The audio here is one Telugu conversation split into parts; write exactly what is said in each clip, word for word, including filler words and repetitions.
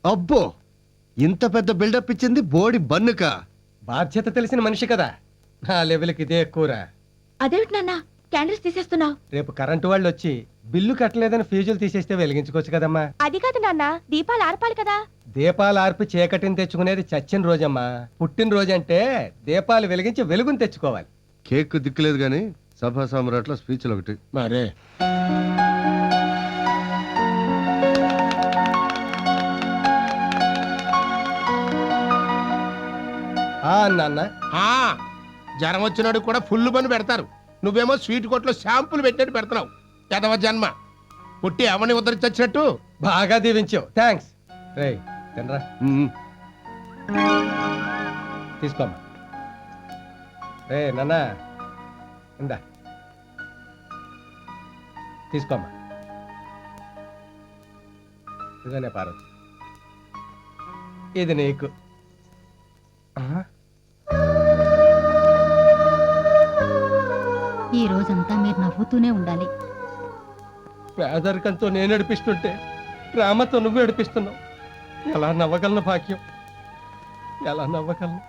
అబ్బో, ఇంత పెద్ద బిల్డప్ ఇచ్చింది బోడి బన్నుక. బాధ్యత తెలిసిన మనిషి కదా, నా లెవెల్కి ఇదే ఎక్కువరా. అదేమిటి నాన్న క్యాండిల్స్ తీసేస్తున్నావు? రేపు కరెంటు వాళ్ళు వచ్చి బిల్లు కట్టలేదని ఫీజులు తీసేస్తే వెలిగించుకోవచ్చు కదమ్మా. అది కాదు నాన్న, దీపాలు ఆర్పాలి కదా. దీపాలు ఆర్పి చీకటిని తెచ్చుకునేది చచ్చిన రోజమ్మా. పుట్టిన రోజు అంటే దీపాలు వెలిగించి వెలుగుని తెచ్చుకోవాలి. కేక్ దిక్కులేదు గాని సభా సామ్రాట్ల స్పీచ్లు ఒకటి మరే ఆ నాన్న, ఆ, జ్వరం వచ్చినాడు కూడా ఫుల్ పని పెడతారు. నువ్వేమో స్వీట్ కొట్లో షాంపులు పెట్టినట్టు పెడుతున్నావు. ఎదవ జన్మ. పుట్టి అవని ఉద్ధరించొచ్చినట్టు. బాగా దీవించావు, థ్యాంక్స్. రేయ్ తినరా, మ్మ్. తీసుకోమ్మా. రే నాన్న, ఇందా తీసుకోమ్మా. ఇదనే పార్వతి, ఇది నీకు. ఆహా. ఈ రోజంతా మీరు నవ్వుతూనే ఉండాలి. పేదరికంతో నేను నడిపిస్తుంటే ప్రేమతో నువ్వు నడిపిస్తున్నావు. ఎలా నవ్వగలను భాగ్యం, ఎలా నవ్వగలను?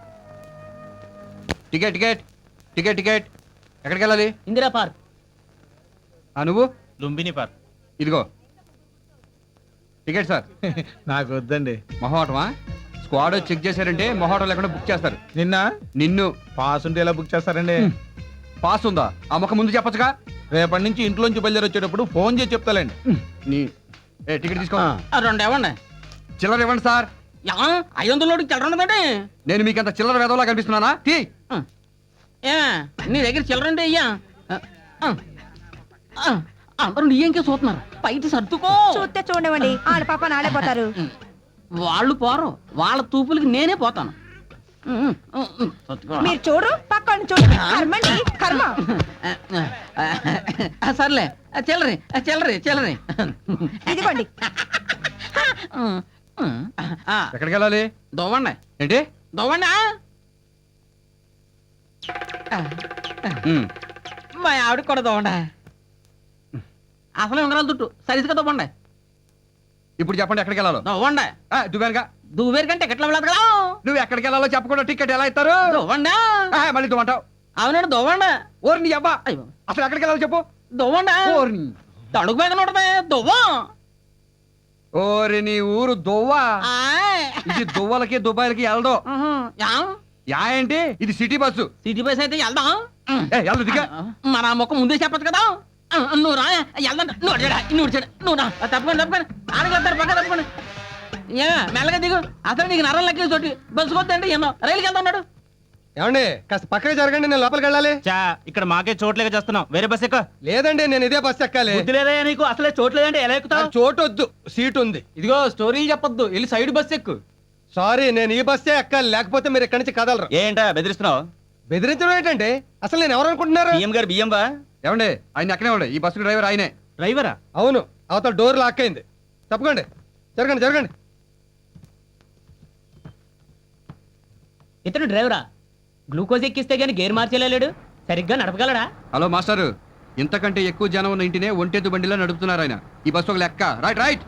టికెట్ టికెట్ టికెట్ టికెట్ ఎక్కడికి వెళ్ళాలి? ఇందిరా పార్క్. ఆ నువ్వు? లుంబిని పార్క్. ఇదిగో టికెట్ సార్. నాకు వద్దండి. మొహోటమా? స్క్వాడ్ చెక్ చేశారంటే మొహోటం లేకుండా బుక్ చేస్తారు. నిన్న నిన్ను పాస్ ఉంటే ఎలా బుక్ చేస్తారండి? పాస్ ఉందా? ఆ మొక్క ముందు చెప్పచ్చుగా. రేపటి నుంచి ఇంట్లోంచి బయలుదేరి వచ్చేటప్పుడు ఫోన్ చేసి చెప్తాలండి. నీ ఏ టికెట్ తీసుకో. రెండు ఇవ్వండి. చిల్లర ఇవ్వండి సార్. ఐదు వందల చిల్లర ఉన్నదండి. నేను మీకు అంత చిల్లర వేదవలా కనిపిస్తున్నానా? తీ. ఏ నీ దగ్గర చిల్లర అంటే అయ్యా అందరూ నీ ఇంకే చూస్తున్నారు. బయట సర్దుకో. చూస్తే చూడవండి, ఆడ పాప నాడే పోతారు. వాళ్ళు పోరు, వాళ్ళ తూపులకి నేనే పోతాను. మీరు చూడు, పక్కన చూడు. కర్మండి, కర్మ. సర్లే చిల్లరి చిల్లరి చిల్లరి ఇదిగోండి. ఎక్కడికి వెళ్ళాలి? దొవ్వండి ఏంటి దొవ్వండి. ఉమ్. మా ఆవిడ కూడా దొవ్వండి. అసలే ఉంగరాలు తుట్టు సరిగ్గా దొవ్వండి. ఇప్పుడు చెప్పండి ఎక్కడికి వెళ్ళాలో. దొవ్వండి. దువ్వానుగా. దువ్వేరు కంటే ఎట్లా వెళ్ళదు కదా. నువ్వు ఎక్కడికి వెళ్ళాలో చెప్పకుండా టికెట్ ఎలా ఇస్తారు? దొవ్వండి. ఆ, మళ్ళీ దువ్వంటావు. అవునండి దొవ్వండి. ఓరి నీ అబ్బా, అయ్యో అసలు ఎక్కడికి వెళ్ళాలో చెప్పు. దొవ్వండి. ఓరి తడుగు మీద నోటమే దువ్వం. ఓరి నీ ఊరు దువ్వా. ఆయ్. ఇది దువ్వలకి దుబాయ్లకి వెళ్దో. ఉహు. యా? యా ఏంటి? ఇది సిటీ బస్సు. సిటీ బస్ అయితే వెళ్దాం. ఏ వెళ్దు దిగా. మన మొక్క ముందే చెప్పచ్చు కదా. నువ్వు రా వెళ్దాం. నువ్వు అడిగాడా నువ్వు చెడు నువ్వు రా తప్పకుండా తప్పకుండా ఆడగలుగుతారు పక్క తప్పకుండా. ఏ మెల్లగా దిగు. అసలు నీకు నరం లెక్క చోటి బస్సు కొద్దంటే ఎన్నో రైలుకి వెళ్తా ఉన్నాడు. ఏమండి కాస్త పక్కకి జరగండి, నేను లోపలికి వెళ్ళాలి. చా ఇక్కడ మాకే చోట్లేక చేస్తున్నాం. వేరే బస్ ఎక్క. లేదండి, నేను ఇదే బస్ ఎక్కాలి. బుద్ధి లేదయ్యా నీకు? అసలే చోట్లేదంటే ఎలా ఎక్కుతావు? నాకు చోటు వద్దు, సీట్ ఉంది. ఇదిగో స్టోరీలు చెప్పొద్దు, వెళ్ళి సైడ్ బస్ ఎక్కు. సారీ, నేను ఈ బస్సే ఎక్కాలి, లేకపోతే మీరు ఇక్కడి నుంచి కదలరు. ఏంటా బెదిరిస్తున్నావు? బెదిరించడం ఏంటంటే అసలు నేను ఎవరు అనుకుంటున్నారు? బియ్యం గారు బియ్యం బా. ఏమండి ఆయన ఎక్కడే ఉండే. ఈ బస్సు డ్రైవర్ ఆయనే. డ్రైవరా? అవును, అవతల డోర్ లాక్ అయింది. తప్పకండి, జరగండి జరగండి. ఇతను డ్రైవరా? గ్లూకోజ్ ఎక్కిస్తే గానీ గేర్ మార్చేలేడు, సరిగ్గా నడపగలడా? హలో మాస్టారు, ఇంతకంటే ఎక్కువ జనం ఉన్న ఇంటినే ఒంటెద్దు బండిలో నడుపుతున్నారు ఆయన. ఈ బస్సు ఒక లెక్క. Right right.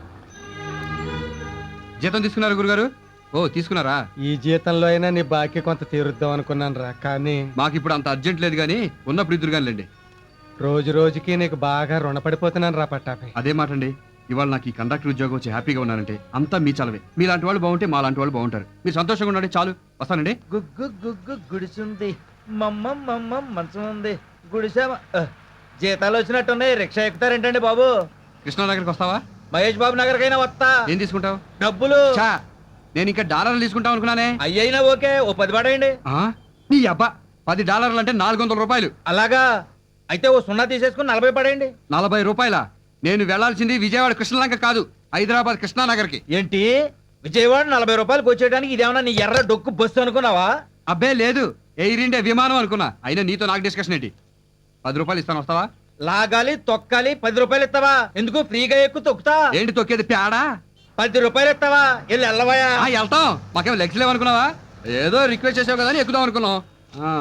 జీతం తీసుకున్నారు గురుగారు? ఓ తీసుకున్నారా? ఈ జీతంలో అయినా నీ బాకీ కొంత తీరుద్దాం అనుకున్నాను రా, కానీ మాకు ఇప్పుడు అంత అర్జెంట్ లేదు కానీ ఉన్నప్పుడు ఇద్దరు కానిలేండి. రోజు రోజుకి నీకు బాగా రుణపడిపోతున్నాను రా పట్టాపై. అదే మాట అండి. ఇవాళ నాకు ఈ కండక్టర్ ఉద్యోగం వచ్చి హ్యాపీగా ఉన్నారంటే అంతా మీ చలవే. మీలాంటి వాళ్ళు బాగుంటే మా లాంటి వాళ్ళు బాగుంటారు. మీరు సంతోషంగా ఉండండి చాలు. వస్తానండి. గుగ్గు గుగ్గు గుడిసుంది, మమ్మ మమ్మ మంచం ఉంది, గుడిసా. జీతాలు వచ్చినట్టున్నాయి, రిక్షా ఎక్కుతారేంటండి బాబు? కృష్ణానగర్కి వస్తావా? మహేష్ బాబు నగర్కైనా వస్తా. ఏం తీసుకుంటావు? డబ్బులు. చా, నేను ఇంకా డాలర్లు తీసుకుంటాం అనుకున్నానే. అయ్యైనా ఓకే, ఓ పది పడేయండి. ఆ? నీ అబ్బా, పది డాలర్లు అంటే నాలుగు వందల రూపాయలు. అలాగా అయితే ఓ సున్నా తీసేసుకుని నలభై పడేయండి. నలభై రూపాయల? నేను వెళ్లాల్సింది విజయవాడ కృష్ణలంక కాదు, హైదరాబాద్ కృష్ణానగర్కి. ఏంటి విజయవాడ నలభై రూపాయలకు వచ్చేయడానికి ఇదేమన్నా నీ ఎర్ర డొక్కు బస్సు అనుకున్నావా? అబ్బే లేదు, ఎయిర్ ఇండియా విమానం అనుకున్నా. అయినా నీతో నాకు డిస్కషన్ ఏంటి? పది రూపాయలు ఇస్తాను, వస్తావా? లాగాలి తొక్కాలి, పది రూపాయలు ఇస్తావా? ఎందుకు ఫ్రీగా ఎక్కువ తొక్కుతా? ఏంటి తొక్కేది పేడా? పది రూపాయలు ఇస్తావా? వెళ్ళి వెళ్ళవయా. ఆ, వెళ్తాం. మాకేం లెగ్స్ లేవనుకున్నావా? ఏదో రిక్వెస్ట్ చేసావు కదా అని ఎక్కుదాం అనుకున్నాం. ఆ.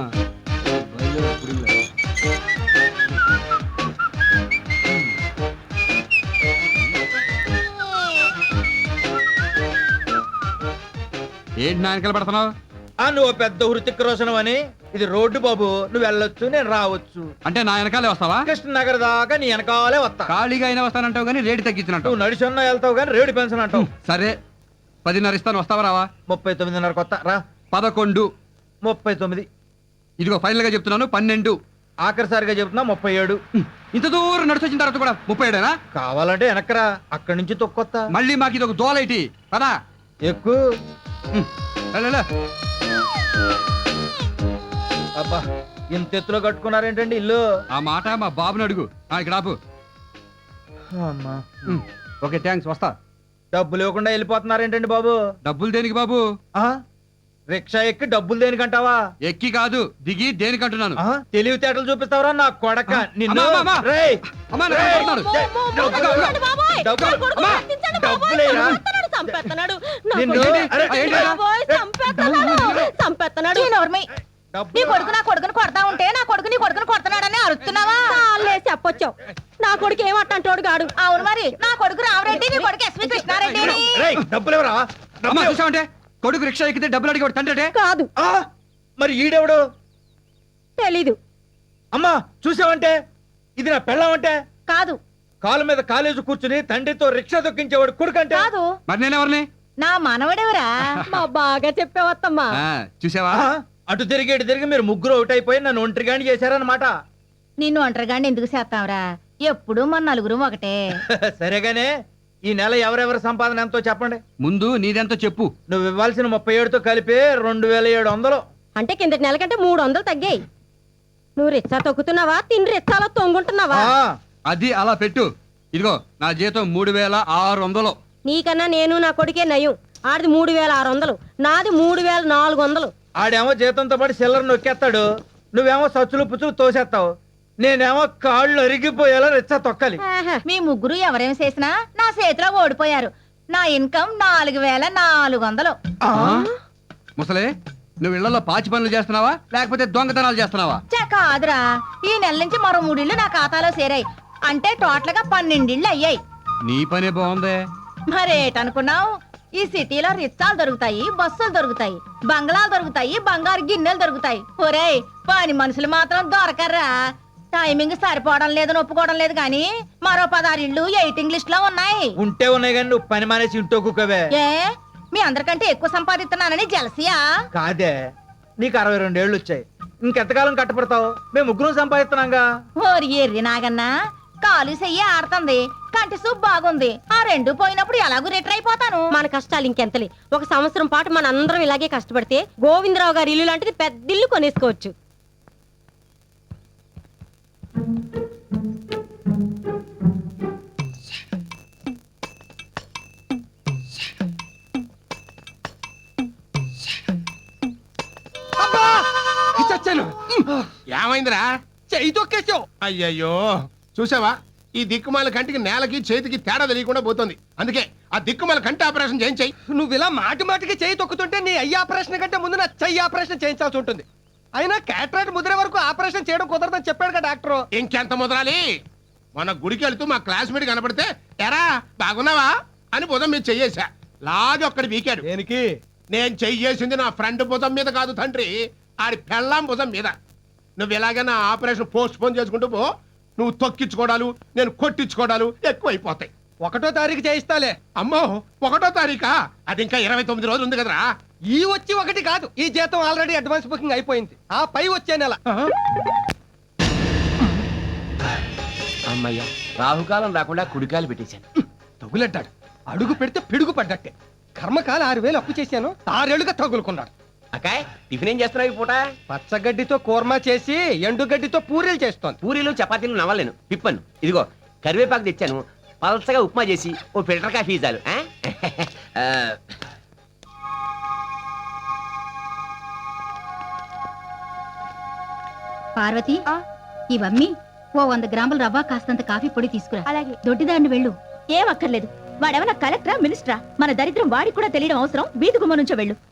ఏంటి నా వెనకాల పడుతున్నావు? ఆ నువ్వు పెద్ద హృతిక్ రోషన్ అని, ఇది రోడ్డు బాబు, నువ్వు వెళ్ళొచ్చు నేను రావచ్చు. అంటే నా వెనకాలే వస్తావా? కృష్ణనగర్ దాకా నీ వెనకాలే వస్తా. ఖాళీగా అయినా వస్తానంటావు కానీ రేటు తగ్గించినట్టు. నువ్వు నడిచొన్నా వెళ్తావు కానీ రేడు పెన్షన్ అంటావు. సరే పదిన్నర ఇస్తాను, వస్తావా రావా? ముప్పై తొమ్మిదిన్నర కొత్త రా. పదకొండు. ముప్పై తొమ్మిది. ఇదిగో ఫైనల్ గా చెప్తున్నాను, పన్నెండు. ఆఖరిసారిగా చెప్తున్నా ముప్పై ఏడు. ఇంత దూరం నడిచి వచ్చిన తర్వాత కూడా ముప్పై ఏడేనా? కావాలంటే వెనకరా, అక్కడి నుంచి తొక్కొత్త. మళ్ళీ మాకు ఇది ఒక దోలైటి పదా ఎక్కువ. అబ్బా ఇంత ఎత్తులో కట్టుకున్నారేంటండి ఇల్లు? ఆ మాట మా బాబుని అడుగు. ఆ, ఇక్కడ ఆపు. అమ్మా ఉమ్, ఓకే థ్యాంక్స్, వస్తా. డబ్బులు ఇవ్వకుండా వెళ్ళిపోతున్నారేంటండి బాబు? డబ్బులు దేనికి బాబు? ఆ రిక్షా ఎక్కి డబ్బులు దేనికంటావా? ఎక్కి కాదు, దిగి దేనికంటున్నాను. ఆ, తెలివితేటలు చూపిస్తావరా నా కొడక నిన్ను. అమ్మా, అమ్మా, అమ్మా. రేయ్, అమ్మా, నా రేయ్, కొడుతున్నాడు. డబ్బులు, డబ్బులు, అమ్మా, డబ్బులేరా? నిన్ను, అరే, ఏంటి రా? చీ, నోర్మి. నీ డబ్బులు. కొడుకు నా కొడుకుని కొడతా ఉంటే నా కొడుకు నీ కొడుకుని కొడుతున్నాడని అరుస్తున్నావా? చెప్పొచ్చావు. నా కొడుకు ఏమంటాడు గాడు? అవును మరి, నా కొడుకు రామరెడ్డి, నీ కొడుకు ఎస్వి కృష్ణారెడ్డి. రేయ్, డబ్బులు ఎవరా? అమ్మా చూసావంటే కొడుకు రిక్షా ఎక్కితే డబ్బులు అడిగి తండ్రి. కాదు, ఆ, మరి ఈడెవడు? తెలీదు. అమ్మా చూసావంటే ఇది నా పెళ్ళామంటే? కాదు కాలు మీద కాలేజీ కూర్చుని తండ్రితో రిక్షా దొక్కించేవాడు కొడుకంటే? కాదు, మరి నేనెవరిని? నా మనవడెవరా? మా బాగా చెప్పావత్తమ్మా. ఆ, చూసావా? ఆ, అటు తిరిగి ఇటు తిరిగి మీరు ముగ్గురు అవుట్ అయిపోయి నన్ను ఒంటరిగాని చేశారన్నమాట. నిన్ను ఒంటరిగాండి ఎందుకు చేస్తావురా? ఎప్పుడు మన నలుగురు ఒకటే. సరేగానే ఈ నెల ఎవరెవరి సంపాదన ఎంతో చెప్పండి. ముందు నీదెంతో చెప్పు. నువ్వు ఇవ్వాల్సిన ముప్పై ఏడుతో కలిపి రెండు వేల ఏడు వందలు. అంటే కిందటి నెల కంటే మూడు వందలు తగ్గాయి. నువ్వు రిచ్చా తొక్కుతున్నావా, తిని రిచ్చాలో తొంగుంటున్నావా? ఆ, అది అలా పెట్టు. ఇదిగో నా జీతం మూడు వేల ఆరు వందలు. నీకన్నా నేను నా కొడుకే నయం. ఆడిది మూడు వేల ఆరు వందలు, నాది మూడు వేల నాలుగు వందలు. ఆడేమో జీతంతో పాటు సిల్లర్ నొక్కేస్తాడు, నువ్వేమో సచ్చులు పుచ్చులు తోసేస్తావు, నేనేమో కాళ్ళు అరిగిపోయేలా రిచ్చా తొక్కాలి. మీ ముగ్గురు ఎవరేం చేసినా నా చేతిలో ఓడిపోయారు. నా ఇన్కమ్ నాలుగు వేల నాలుగు వందలు. ఆ, ముసలే, నువ్వు ఇళ్లలో పాచి పనులు చేస్తున్నావా లేకపోతే దొంగతనాలు చేస్తున్నావా? చా కాదురా, ఈ నెల నుంచి మరో మూడిళ్ళు నా ఖాతాలో చేరాయి. అంటే టోటల్ గా పన్నెండిళ్ళు అయ్యాయి. నీ పనే బాగుందే. మరేటనుకున్నావు? ఈ సిటీలో రిచ్చాలు దొరుకుతాయి, బస్సులు దొరుకుతాయి, బంగ్లాలు దొరుకుతాయి, బంగారు గిన్నెలు దొరుకుతాయి. ఒరేయ్, పని మనుషులు మాత్రం దొరకర్రా. టైమింగ్ సరిపోవడం లేదని ఒప్పుకోవడం లేదు కానీ మరో పదహారు ఇళ్ళు ఎయిటింగ్ లిస్ట్ లో ఉన్నాయి. ఉంటే ఉన్నాయి కానీ నువ్వు పని మానేసి ఇంటో కుక్కవే. ఏ మీ అందరికంటే ఎక్కువ సంపాదిస్తున్నానని జలసియా? కాదే, నీకు అరవై రెండేళ్లు వచ్చాయి, ఇంకెంతకాలం కట్టపడతావు? మేము ముగ్గురం సంపాదిస్తున్నాంగా. ఓరి ఎర్రి నాగన్నా, కాలు చెయ్యి ఆడుతుంది, కంటి సూప్ బాగుంది. ఆ రెండు పోయినప్పుడు ఎలాగూ రిటర్ అయిపోతాను. మన కష్టాలు ఇంకెంతలే. ఒక సంవత్సరం పాటు మన అందరం ఇలాగే కష్టపడితే గోవిందరావు గారి ఇల్లు లాంటిది పెద్ద ఇల్లు కొనేసుకోవచ్చు. చచ్చాను. ఏమైందిరా? చెయ్యి తొక్కేసావు. అయ్యయ్యో, చూసావా? ఈ దిక్కుమాల కంటికి నేలకి చేతికి తేడా తెలియకుండా పోతుంది. అందుకే ఆ దిక్కుమాల కంటి ఆపరేషన్ చేయించాయి. నువ్వు ఇలా మాటి మాటికి చెయ్యి తొక్కుతుంటే నీ అయ్యి ఆపరేషన్ కంటే ముందు నా చెయ్యి ఆపరేషన్ చేయించాల్సి ఉంటుంది. అయినా క్యాటరాక్ట్ ముదిరే వరకు ఆపరేషన్ చేయడం కుదరదని చెప్పాడు కదా డాక్టర్. ఇంకెంత ముదరాలి? మన గుడికి వెళ్తూ మా క్లాస్మేట్ కనపడితే ఎరా బాగున్నావా అని భుజం మీద చెయ్యేశా. లాగి ఒక్కడి వీకాడు. దేనికి? నేను చెయ్యేసింది నా ఫ్రెండ్ భుజం మీద కాదు తండ్రి, ఆడి పెళ్ళాం భుజం మీద. నువ్వు ఎలాగైనా ఆపరేషన్ పోస్ట్ పోన్ చేసుకుంటూ పో. నువ్వు తొక్కించుకోవడాలు, నేను కొట్టించుకోవడాలు ఎక్కువైపోతాయి. ఒకటో తారీఖు చేయిస్తాలే. అమ్మో, ఒకటో తారీఖా? అది ఇంకా ఇరవై తొమ్మిది రోజులు ఉంది కదరా. ఈ వచ్చి ఒకటి కాదు, ఈ జీతం ఆల్రెడీ అడ్వాన్స్ బుకింగ్ అయిపోయింది. ఆ పై వచ్చే నెల. అమ్మయ్య, రాహుకాలం రాకుండా కుడికాయలు పెట్టేశాను. తగులడ్డాడు. అడుగు పెడితే పిడుగు పడ్డట్టే. కర్మకాల ఆరు వేలు అప్పు చేశాను, ఆరేళ్లుగా తగులుకున్నాడు. అకాయ్, టిఫిన్ ఏం చేస్తున్నావు ఈ పూట? పచ్చగడ్డితో కూర్మా చేసి ఎండుగడ్డితో పూరీలు చేస్తోంది. పూరీలు చపాతీలు నవ్వలేను, పిప్పను. ఇదిగో కరివేపాకు తెచ్చాను, పలసగా ఉప్మా చేసి ఓ ఫిల్టర్ కాఫీ చాలు. ఆ? ఆ, పార్వతి, ఇవమ్మి ఓ వంద గ్రాముల రవ్వ, కాస్తంత కాఫీ పొడి తీసుకురా. అలాగే. దొడ్డిదారిని వెళ్ళు. ఏం అక్కర్లేదు. వాడేమన్నా కలెక్టరా, మినిస్టరా? మన దరిద్రం వాడికి కూడా తెలియడం అవసరం. వీధి గుమ్మ నుంచో వెళ్ళు.